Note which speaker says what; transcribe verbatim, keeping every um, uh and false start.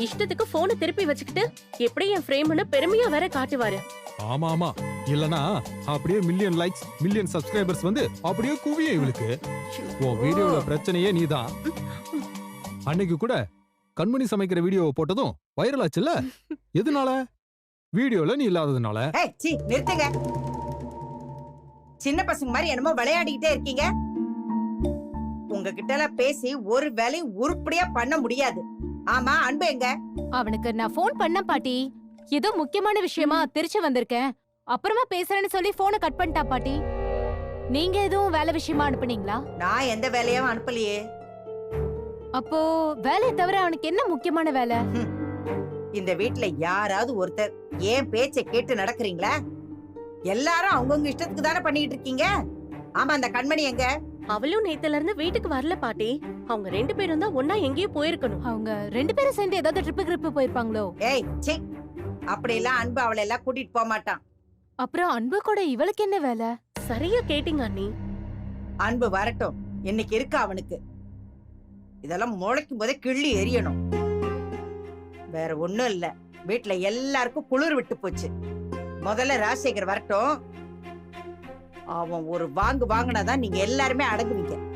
Speaker 1: இஷ்டத்துக்கு போனை திருப்பி வச்சுக்கிட்டு எப்படி என் ஃப்ரேம்னு பெருமையா வேற காட்டுவாரு.
Speaker 2: ஆமா ஆமா, இல்லனா அப்படியே மில்லியன் லைக்ஸ் மில்லியன் சப்ஸ்கிரைபர்ஸ் வந்து அப்படியே குவியும் இவளுக்கு. உன் வீடியோல பிரச்சனையே நீதான். அன்னைக்கு கூட கண்மணி சமைக்கிற வீடியோவை போட்டதும் வைரல் ஆச்சுல்ல, எதனால? வீடியோல நீ இல்லாததுனால.
Speaker 3: ஏய் சீ நிறுத்துங்க. சின்ன பசங்க மாதிரி என்னமோ விளையாடிக்கிட்டே இருக்கீங்க. உங்ககிட்ட எல்லாம் பேசி ஒரு வேலையும் உருப்படியா பண்ண முடியாது. ஆமா, அன்பு எங்க?
Speaker 4: அவனுக்கு நான் போன் பண்ண பாட்டி. ஏதோ முக்கியமான விஷயமா திருச்சி வந்திருக்கேன், அப்புறமா பேசுறேன்னு சொல்லி போனை கட் பண்ணிட்டா பாட்டி. நீங்க எதுவும் வேலை விஷயமா அனுப்புனீங்களா?
Speaker 3: நான் எந்த வேலையும் அனுப்பலையே.
Speaker 4: அப்போ வேலையை தவிர அவனுக்கு என்ன முக்கியமான வேலை?
Speaker 3: இந்த வீட்டுல யாராவது ஒருத்தர் ஏன் பேச்சை கேட்டு நடக்கிறீங்களா? எல்லாரும் அவங்கவுங்க இஷ்டத்துக்கு தானே பண்ணிட்டு இருக்கீங்க. ஆமா, அந்த கண்மணி எங்க?
Speaker 1: அவளும் நேத்துல இருந்து வீட்டுக்கு வரல பாட்டி. அவங்க ரெண்டு பேரும் தான் ஒன்னா எங்கேயோ போயிருக்கணும்.
Speaker 4: அவங்க ரெண்டு பேரும் சேர்ந்து ஏதாவது ட்ரிப்பு கிரிப்பு போயிருப்பாங்களோ?
Speaker 3: ஏய் சி, அப்படி எல்லாம் அன்பு அவளை எல்லாம் கூட்டிட்டு போக மாட்டான்.
Speaker 4: அப்புறம் அன்பு கூட இவளுக்கு என்ன வேலை?
Speaker 1: சரியா கேட்டீங்க அண்ணி.
Speaker 3: அன்பு வரட்டும், இன்னைக்கு இருக்கு அவனுக்கு. இதெல்லாம் முளைக்கும் போதே கிள்ளி எரியணும். வேற ஒண்ணும் இல்ல, வீட்டுல எல்லாருக்கும் குளிர் விட்டு போச்சு. முதல்ல ராஜசேகர் வரட்டும். அவன் ஒரு வாங்கு வாங்கினாதான் நீங்க எல்லாருமே அடங்குவீங்க.